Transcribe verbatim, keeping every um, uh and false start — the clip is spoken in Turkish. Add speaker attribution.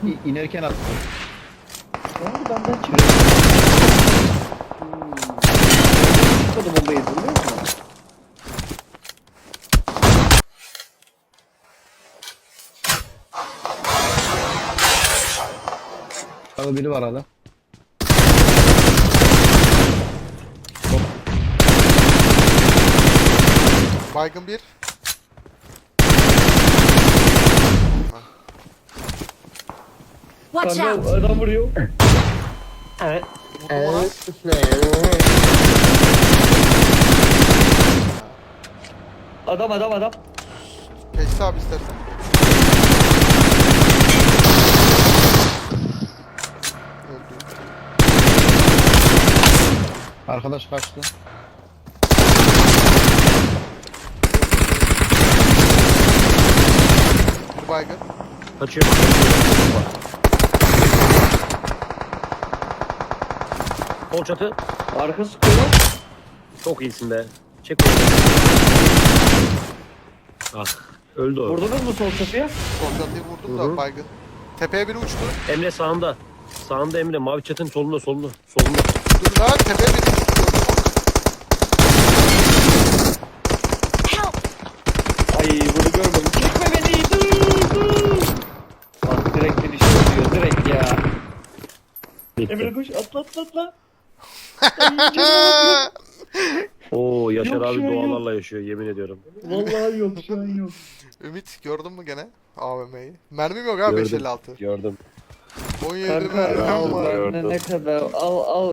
Speaker 1: İ inerken attım.
Speaker 2: Yani benden çıktı. Hmm. Çıkmadı bombayı biliyor musun?
Speaker 1: Abi biri var hala.
Speaker 3: Baygın bir.
Speaker 4: Watch
Speaker 2: Kanka
Speaker 4: out!
Speaker 2: adam vuruyor.
Speaker 5: Evet.
Speaker 3: Vurdum ona.
Speaker 2: Adam adam adam.
Speaker 3: Geçti abi istersen. Öldü.
Speaker 1: Arkadaş kaçtı.
Speaker 3: Bir baygın.
Speaker 5: Kaçıyor. Sol çatı.
Speaker 2: Arka sıkıyor.
Speaker 5: Çok iyisin be. Çek onu. Ah. Öldü o.
Speaker 2: Vurdunuz mu sol çatıya?
Speaker 3: Soldatıyı vurdum
Speaker 5: Hı hı.
Speaker 3: da baygın. Tepeye biri uçtu.
Speaker 5: Emre sağında. Sağında Emre. Mavi çatının solunda solunda. Solunda.
Speaker 3: Dur lan tepeye biri uçtu.
Speaker 4: Help!
Speaker 2: Ay bunu görmedim. Çekme beni. Dur dur. Bak direkt finish oluyor. Direkt ya.
Speaker 5: Bitti.
Speaker 2: Emre koş atla atla atla.
Speaker 5: Oo Yaşar
Speaker 2: Yok,
Speaker 5: abi
Speaker 2: şu an yok.
Speaker 5: dualarla yaşıyor yemin ediyorum.
Speaker 2: Vallahi yok şu an yok.
Speaker 3: Ümit gördün mü gene A V M'yi? Mermim yok abi
Speaker 5: Gördüm.
Speaker 3: beş elli altı.
Speaker 5: Gördüm.
Speaker 3: on yedi
Speaker 2: Kanka
Speaker 3: mermim var.
Speaker 2: ne, ne kadar al al.